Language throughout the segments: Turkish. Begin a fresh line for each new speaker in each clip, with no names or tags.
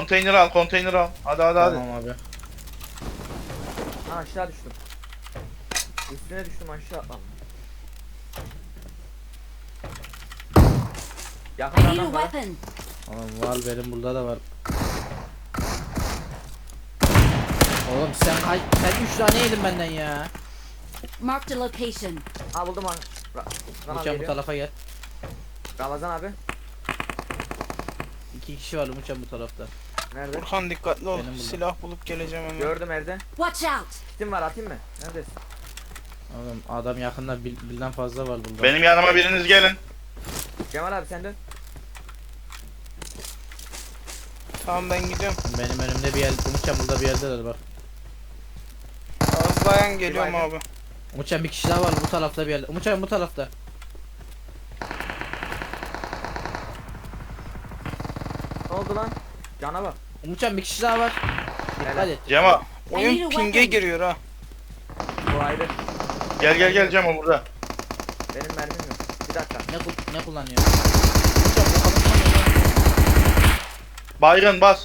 konteyner al, konteyner al. Hadi hadi hadi.
Tamam abi.
Ha, aşağı düştüm. Üstüne düştüm, aşağı atladım.
I
Yakında
need a
adam var.
weapon.
Oğlum var, benim burada da var. Oğlum sen 3 tane yedin benden ya.
Marked a location.
Ha, buldum lan. Ramazan abi
Uçan bu
geliyor.
tarafa gel.
Ramazan abi.
2 kişi var Uçan bu tarafta.
Nerede?
Burhan dikkatli ol.
Benim burada.
Silah bulup geleceğim hemen.
Gördüm evde.
Watch out.
Kitim var, atayım mı? Neredesin?
Oğlum adam yakında birden fazla var burada.
Benim yanıma biriniz gelin.
Cemal abi sen dön.
Tamam ben gidiyorum.
Benim önümde bir yer, Uçan burada bir yerdeler bak.
Azlayan geliyorum
baygın.
abi.
Uçan bir kişi daha var bu tarafta bir yerde. Uçan bu tarafta.
Ne oldu lan? Cana bak.
Uçan bir kişi daha var. Dikkat
Helal.
et.
Cemo
I need
Oyun
a
ping'e
weapon.
giriyor ha.
Bu ayrı.
gel Cemo burada.
Benim mermim yok. Bir dakika.
Ne kullanıyor? Uçan bu adam
Baygın bas.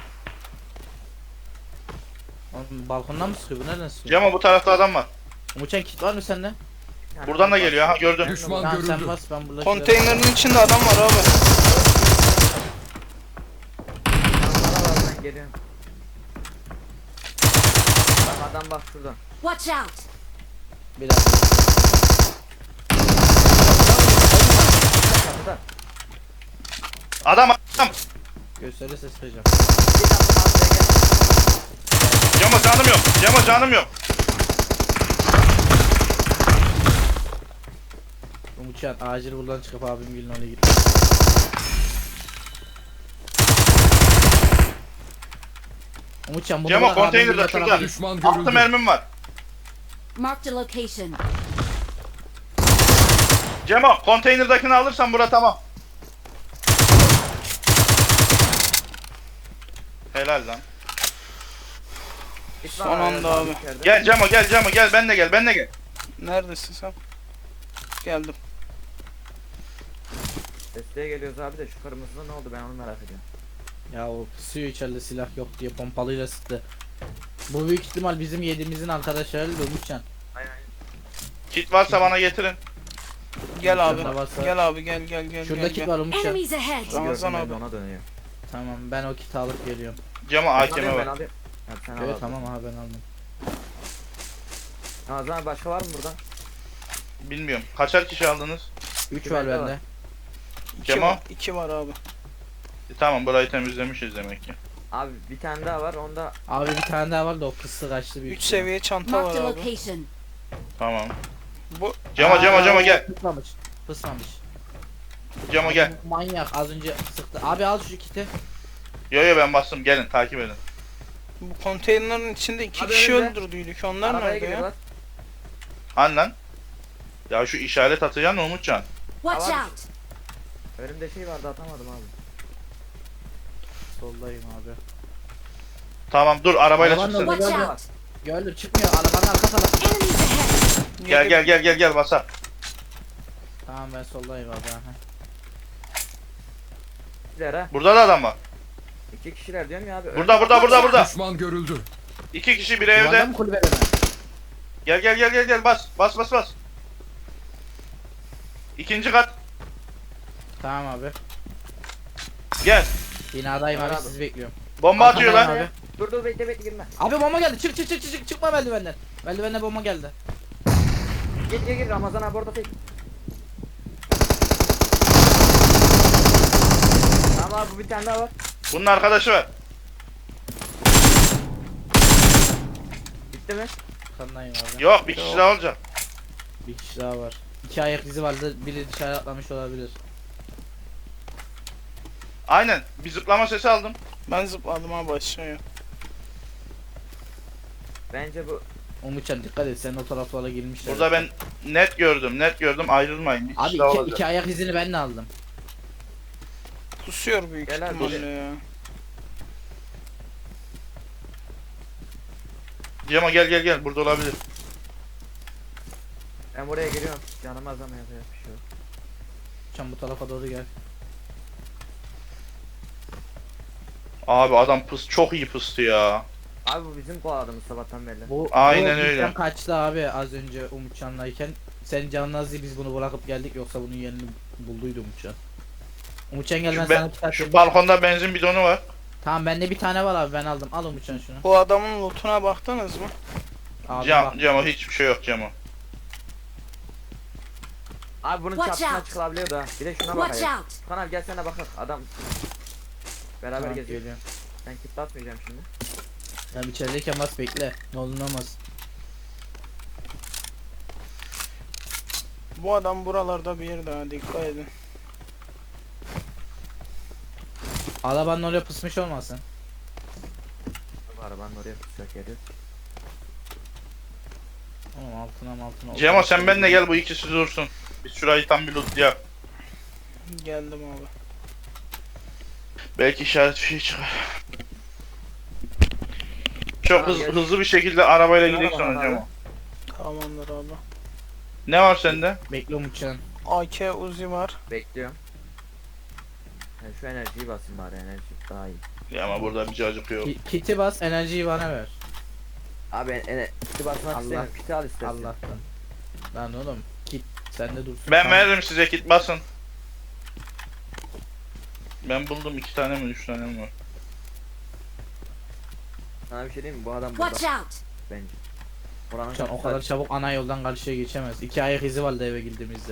Oğlum balkondan mı sıkıyor? Bu nereden sıkıyor?
Cemo bu tarafta adam var.
Uçan kit var mı sende?
Yani
Buradan da geliyor ha, gördüm.
Düşman
Tamam sen
görüldü.
bas, ben burada.
Konteynerin içinde adam var abi.
Bana bak, ben geliyorum. Bak adam bak şuradan.
Watch out.
Bir dakika.
Kapıda.
Adam.
Gösteri ses vereceğim.
Bir dakika abi, gel.
Cemo canım yok. Cemo canım yok.
Uçan acil buradan çıkıp abim gelin oraya git. Uçan bunu
Cemo,
bırak, abim
konteynerde
gelin
şurada.
tarafa git.
Düşman
6
görüldü.
mermim var.
Marked a location.
Cemo konteynerdakini alırsan bura tamam. Helal lan.
Git
Son
lan,
anda abi.
içeride.
Gel Cemo gel ben de gel.
Neredesin sen? Geldim.
Desteğe geliyoruz abi de şu kırmızı ne oldu, ben onu merak ediyorum.
Ya o pusuyor içeride, silah yok diye pompalıyla sıktı. Bu büyük ihtimal bizim yediğimizin arkadaşları Uçan.
Aynen.
Kit varsa bana getirin.
Gel abi.
Şurada varsa-
Gel abi gel.
Şurada
gel.
kit var Uçan.
Enemies ahead.
Ramazan
Gördüm, ben de
abi.
ona dönüyor.
Tamam ben o kiti alıp geliyorum.
Cemo
Ben
AKM
alayım, ben
var.
alayım. Ha, sen al
Evet
abi.
tamam abi ben aldım.
Ramazan abi, başka var mı burada?
Bilmiyorum. Kaçar kişi aldınız?
3 var
bende var.
bende.
Cemo?
2 var abi.
Tamam burayı temizlemişiz demek ki.
Abi bir tane daha var, onda
Abi bir tane daha var da o kıssı kaçtı büyük
3
ihtimal.
seviye çanta var
Marked a
abi.
location.
Tamam.
Bu
Cemo gel.
Fısmamış. Fısmamış.
Cemo gel.
Manyak az önce sıktı. Abi al şu kiti.
Yo ben bastım, gelin takip edin.
bu konteynerin içinde 2
Abi
kişi
önümde.
öldürdüydük. Onlar
arabaya
nerede ya?
geliyorlar.
Hani lan? Ya şu işaret atacaksın Umutcan.
Watch
Tamam.
out.
Önümde şey vardı, atamadım abi.
Soldayım abi.
Tamam dur arabayla
Arabanın
çıksın.
orada-
Watch
Gördüm.
out.
Gördüm çıkmıyor arabanın arka tarafı.
Enemies ahead.
Gel basa.
Tamam ben soldayım abi. Aha.
Kişiler ha.
Burada da adam var.
2 kişiler diyorum ya abi.
Burada.
Düşman görüldü.
2 kişi bir
Bu
evde.
adam kulübede mi?
Gel bas. İkinci kat.
Tamam abi.
Gel.
Binadayım abi
Abi.
sizi bekliyorum.
Bomba atıyor lan.
Abi.
Dur bekle girme.
Abi bomba geldi. Çık çıkma merdivenden. Merdivenden bomba geldi.
Gir Ramazan abi, orada tek. Tamam abi, bu bir tane daha var.
Bunun arkadaşı var.
Bitti mi?
Kandayım abi.
Yok bir kişi daha olacak.
Bir kişi daha var. 2 ayak izi vardı. Biri dışarı atlamış olabilir.
Aynen. Bir zıplama sesi aldım.
Ben zıpladım abi aşağıya.
Bence bu
Umutcan dikkat et sen o taraflara girmişler.
Burada ben net gördüm. Ayrılmayın. Bir kişi
Abi
daha
iki
olacak.
ayak izini ben de aldım.
Pusuyor büyük
Gel abi.
ihtimalle ya.
Cemo gel. Burada olabilir.
ben buraya geliyorum. Canım azam yapacak bir şey yok.
Umutcan bu tarafa doğru gel.
Abi adam çok iyi pıstı ya.
Abi bu bizim kovaladığımız sabahtan beri.
Aynen
bu
öyle.
bizden kaçtı abi az önce Umutcan'layken. Sen canın az diye biz bunu bırakıp geldik yoksa bunun yerini bulduydu Umutcan. Umutcan gel ben
Şu,
sana kitap
şu
vereyim.
balkonda benzin bidonu var.
Tamam bende bir tane var abi ben aldım. Al Umutcan şunu.
Bu adamın lootuna baktınız mı?
Abi bak.
Cemo hiçbir şey yok Cemo.
Abi bunun
Watch
çatısına
out.
çıkılabiliyor da. Bir de şuna
Watch
bakayım.
out!
Kan abi gel sen de bakın. Adam beraber
Tamam,
geziyor.
geliyorum.
Ben kit atmayacağım şimdi.
Tamam içerideyken bas bekle. Ne olur ne olmaz.
Bu adam buralarda bir yerde ha, dikkat edin.
Arabanın oraya pısmış olmasın.
Bu arabanın oraya tutacak geliyor.
Oğlum altına.
Cemo sen benimle gel bu ikisi dursun. Biz şurayı tam bir lootlayalım.
Geldim abi.
Belki işaret bir şey çıkar. Çok
Tamam, gel.
hızlı bir şekilde arabayla
Şuna
gidelim sonra
bak
Cemo.
abi.
Tamamdır abi.
Ne var sende?
Bekle Umutcan.
AK Uzi var.
Bekliyorum. Yani şu enerjiyi basın bari, enerji daha iyi.
Ya ama burada bir cacık yok.
Kiti bas enerjiyi bana ver.
Abi kiti basmak
Allah.
istemiyorum. Kiti al istersen.
Allah'tan. Lan oğlum kit sende dursun.
Ben
Tamam.
veririm size kit basın. Ben buldum 2 tane mi 3 tane mi var?
Sana bir şey diyeyim mi? Bu adam burada
Watch out!
bence. Buranın
Can o
kapısı
kadar
açık.
çabuk ana yoldan karşıya geçemez. 2 ayak izi vardı eve girdiğimizde.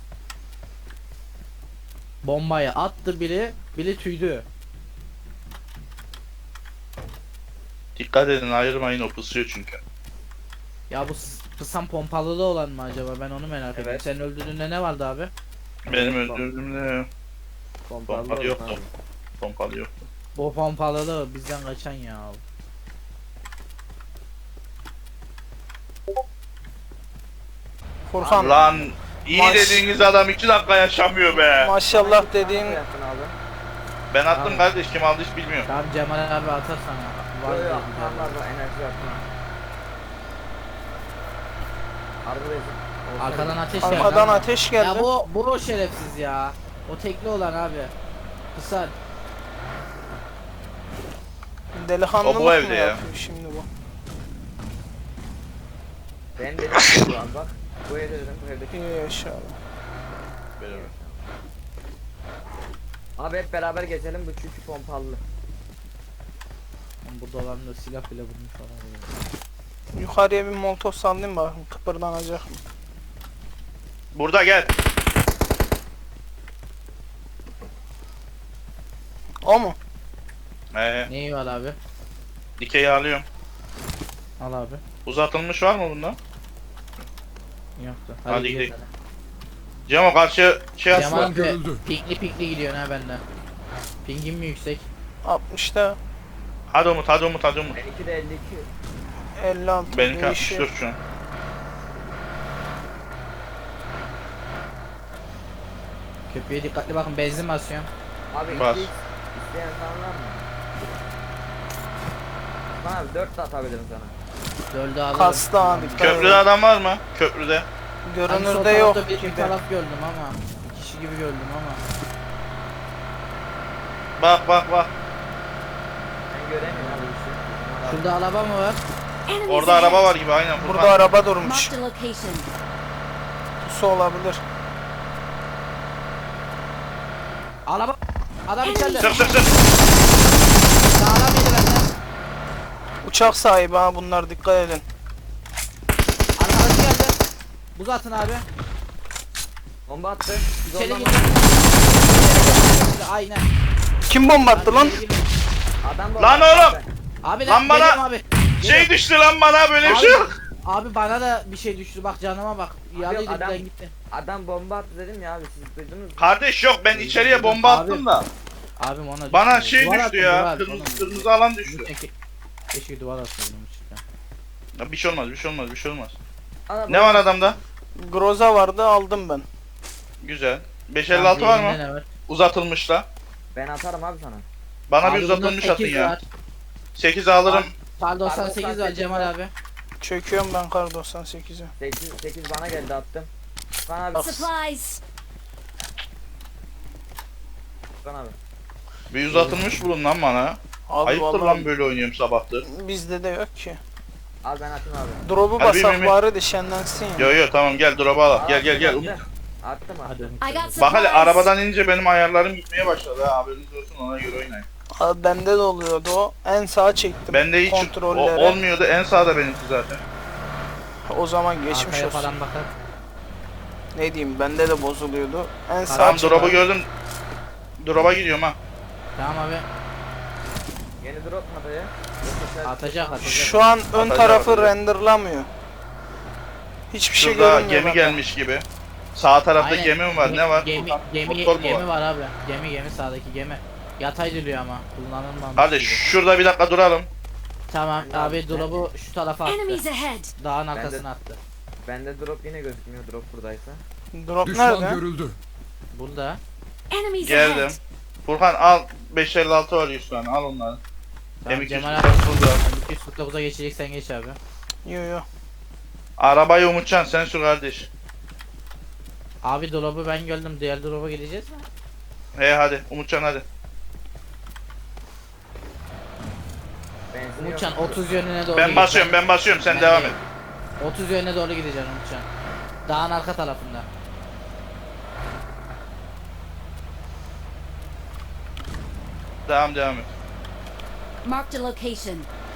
Bombayı attı biri tüydü.
Dikkat edin ayırmayın o pısıyor çünkü.
Ya bu pısan pompalılı olan mı acaba ben onu merak ediyorum.
Evet.
Senin öldürdüğünde ne vardı abi?
Benim öldürdüğümde
Pompalı
pompalı
olsun
yoktu.
abi.
Pompalı yoktu.
Bu pompalılı bizden kaçan ya.
Furkan
Lan iyi
Maş-
dediğiniz adam 2 dakika yaşamıyor be.
maşallah dediğin
Ne yaptın abi?
Ben attım
Abi.
kardeş kim aldı hiç bilmiyorum.
Tamam Cemal abi atar sana. Var
Yok
diye
yok.
bir tane.
Var var enerji atma. Harbi rezil. Olsa
Arkadan
bile.
ateş geldi.
arkadan
ama.
ateş geldi.
Ya bu o şerefsiz ya. O tekli olan abi. Kısar.
Delikanlılık
O bu
mı
evde ya.
yapıyor şimdi bu?
Ben dedim ki bu an bak. Bu evde dedim bu evdeki.
İyi yaşa abi.
Abi hep beraber gezelim bu çünkü pompalı.
Lan burada olan da silah bile vurmuş falan.
Yukarıya bir molotof sallayayım bakayım kıpırdanacak mı?
Burada gel.
O mu?
Neyi var abi?
Dikeyi alıyorum.
Al abi.
Uzatılmış var mı bunda?
Yoktu.
Hadi
gidelim.
gidelim. Cemo karşı şey
Cemal
atma.
abi pikli gidiyor ha benden. Pingim mi yüksek?
60'ta
Hadi Umut hadi Umut hadi Umut.
Benimki de 52.
56
Benimki
değişiyor.
64 şu an.
Köprüye dikkatli bakın benzin basıyorum.
Abi
Bas.
2x isteyen falan var mı? Lan abi 4 de atabilirim sana.
Döldü alırım.
Kastı ha, dikkat
Köprüde
edin.
adam var mı? Köprüde.
Hani sol
Görünürde yok
tarafta bir
gibi.
taraf gördüm ama. Bir kişi gibi gördüm ama.
Bak bak bak.
Ben göremiyorum abi bir şey.
Şurada araba mı var?
Enemies
Orada
ahead.
araba var gibi aynen.
Burada
Furkan.
araba durmuş.
Marked a location.
Su olabilir.
Araba. Adam içeride.
Sık sık sık.
Sağlam yedi benden.
Uçak sahibi ha bunlar, dikkat edin.
Arkadaşı geldi. Buz atın abi.
Bomba attı. Biz
İçeri
ondan-
gidiyor. Aynen.
Kim bomba attı lan?
İçeri gidiyor.
Adam bomba
Lan
attı.
oğlum!
Abi
Lan bana-
geliyorum abi.
Şey
Geliyorum.
düştü lan bana böyle bir
Abi-
şey yok.
Abi bana da bir şey düştü bak canıma bak. Yalıydı
adam-
birden gitti.
Adam bomba attı dedim ya abi siz duydunuz mu?
Kardeş yok ben içeriye bomba
Abi.
attım da.
Abim ona
Bana
düştü.
şey
Duvar
düştü
attım,
ya.
duvar,
Kırmızı
oğlum.
kırmızı alan düştü.
Keşke duvar atsaydım cidden.
Ya bir şey olmaz bir şey olmaz bir şey olmaz.
Adam
Ne var adamda?
Groza vardı, aldım ben.
Güzel. 556 var mı?
Elinde ne var?
Uzatılmışla.
Ben atarım abi sana.
Bana
Abi
bir
bunda
uzatılmış atın
8
ya.
var.
8 alırım.
Kar 98 var
98
Cemal
var.
abi.
Çöküyorum ben kar 98'e.
8 bana geldi attım. Furkan abi.
Supplies.
Furkan abi.
Bir uzatılmış bulun lan bana.
Abi
Ayıptır
vallahi
lan böyle oynuyorum sabahtır.
bizde de yok ki.
Al ben atayım abi.
Drop'u
Hadi
basak
bir-
bari de şenlensin ya.
Yo yo tamam gel drop'a al. Gel gel gel.
Attım abi.
Hadi
I
Umutcan.
got
Bak hele
supplies.
arabadan inince benim ayarlarım gitmeye başladı ha. Haberiniz olsun, ona göre oynayın.
Abi bende de oluyordu o. En sağa çektim
Bende hiç
kontrolleri.
olmuyordu. En sağda benimki zaten.
O zaman geçmiş
Arkaya
olsun.
falan bakar.
Ne diyeyim bende de bozuluyordu. En sağa
Tamam
çektim.
drop'u gördüm. Drop'a gidiyorum ha.
Tamam abi.
Yeni drop mu dayı?
Atacak.
Şu an ön
Atacak,
tarafı
atacak.
renderlamıyor. Hiçbir şey
Şurada
görünmüyor.
gemi
bak.
gelmiş gibi. Sağ tarafta
Aynen.
gemi mi var? Ne var?
Gemi,
Furkan,
gemi,
motor mu
gemi
var?
var abi. Gemi sağdaki gemi. Yatay duruyor ama kullanılmamış.
Hadi
gibi.
şurada bir dakika duralım.
Tamam
Ben
abi
de-
drop'u şu tarafa attı.
Enemies ahead.
Dağın
de-
arkasına attı.
Bende drop yine gözükmüyor drop buradaysa.
Drop
Düşman
nerede?
görüldü.
Burada.
Enemies
Geldim.
ahead.
Furkan al 556 var 100 tane al onları.
Tamam,
M200
Cemal abi
burada.
249'a geçeceksen geç abi.
Yo yo.
Arabayı Umutcan sen sür kardeş.
Abi drop'u ben gördüm. Diğer drop'a gideceğiz mi?
Hadi Umutcan hadi.
Benzin
Umutcan
yok.
30 yönüne doğru
Ben
git.
basıyorum sen
Ben
devam
de-
et.
30 yönüne doğru gideceksin Umutcan. Dağın arka tarafında.
Devam et.
Marked a location.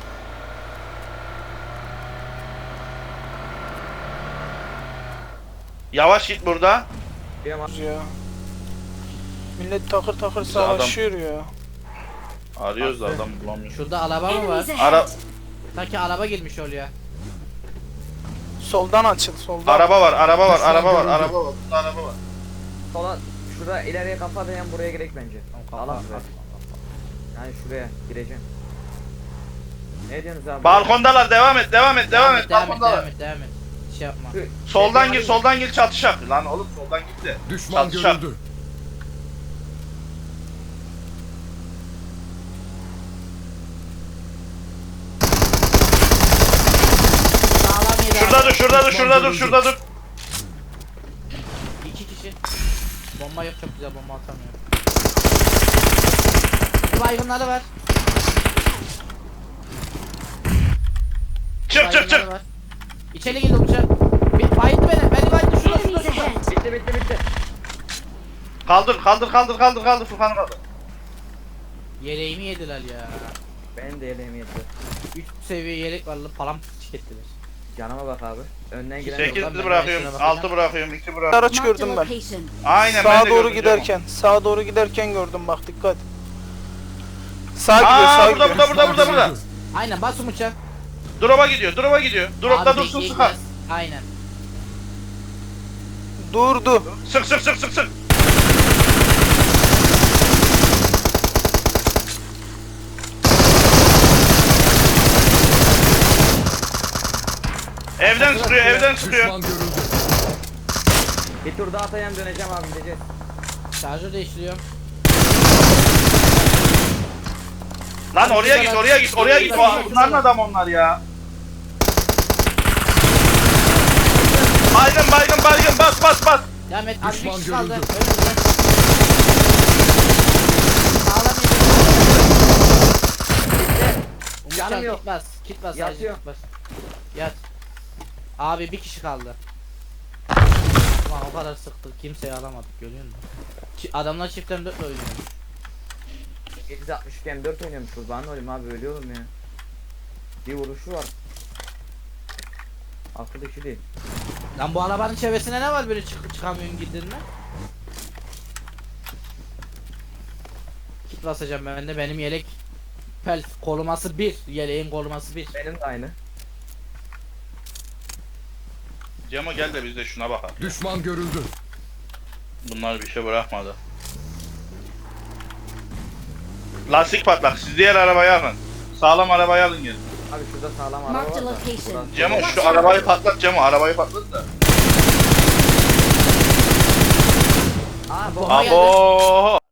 Yavaş git burada.
Diyorum abi.
Ya. Millet takır takır
Bize adam-
savaşıyor ya.
Arıyoruz da adam bulamıyoruz.
Şurada araba mı var?
Enemies ahead.
Ara
Sanki araba girmiş oraya.
Soldan açıl soldan.
araba var, araba var,
Düşman
araba var,
görüldü.
araba var. Burada araba var.
Sola şurada ileriye kafa dayan buraya gerek bence.
Tamam,
Allah
kafa-
be. Yani şuraya gireceğim. Ne diyorsunuz abi?
Balkondalar devam et.
Devam et.
Balkondalar.
Devam et. Şey yapma.
Şu-
Soldan
şey-
gir, soldan gir çatışak. Lan oğlum soldan git de.
Düşman
Çatışak.
görüldü.
Sağlam yedi
Şurada
abi.
dur, şurada dur,
Düşman
şurada dur,
görüldü.
şurada dur.
2 kişi. Bomba yok, çok güzel bomba atamıyor. Baygınları var.
Çık çık
Baygınları
çık.
var. İçeri girdi uçak. Bayıldı beni. Beni bayıldı. Şurada
Enemies
şurada.
ahead.
Bitti.
Kaldır Furkan'ı kaldır.
Yeleğimi yediler ya.
Ben de yeleğimi yedim.
3 seviye yelek var lan, param ettiler.
Canıma bak abi. Önden giren
8
ben
bırakıyorum,
şuna bakacağım.
6 bırakıyorum, 2 bırakıyorum.
Araç
Marked a
gördüm ben.
location.
Aynen ben
Sağa
de
doğru
gördüm
giderken, sağa doğru giderken gördüm bak dikkat. Sağa
Cemo.
gidiyor, sağa
Aa
gidiyor.
burada.
Aynen bas uçak.
Drop'a gidiyor. Drop'ta
Abi
dursun
bekleyin
sıkar.
biraz. Aynen.
Durdu.
Sık. Evden sıkıyor.
Düşman görüldü.
Bir tur daha atayım döneceğim abi gideceğiz.
Şarjör değiştiriyorum.
Lan oraya git. Bunların adam onlar ya. Baygın bas.
Devam et. Az bir
Düşman
kişi kaldı.
görüldü.
Önümüzde. Sağlam yedi.
Canım
Umutcan
yok.
kit bas.
Yatıyor.
Sadece kit bas. Yat. Abi bir kişi kaldı. Ulan o kadar sıktık, kimseyi alamadık, görüyor musun? Adamlar çiftten 4 oynuyor.
760 iken 4 oynuyormuş kurban olayım abi ölüyorum ya. Bir vuruşu var. Akıl işi değil.
Lan bu arabanın çevresine ne var böyle çıkamıyorsun gittin mi? Kit basacağım ben de, benim yelek pel koruması 1, yeleğin koruması 1.
Benim de aynı.
Cemo gel de biz de şuna bakalım.
Düşman görüldü.
Bunlar bir şey bırakmadı. Lastik patlak. Siz diğer arabayı alın. Sağlam arabayı alın gelin.
Abi şurada sağlam araba
Marked
var
a
da.
location.
Burası-
Cemo şu arabayı patlat Cemo. Arabayı patlat da.
Aa bu
Bomba geldi.
Abo.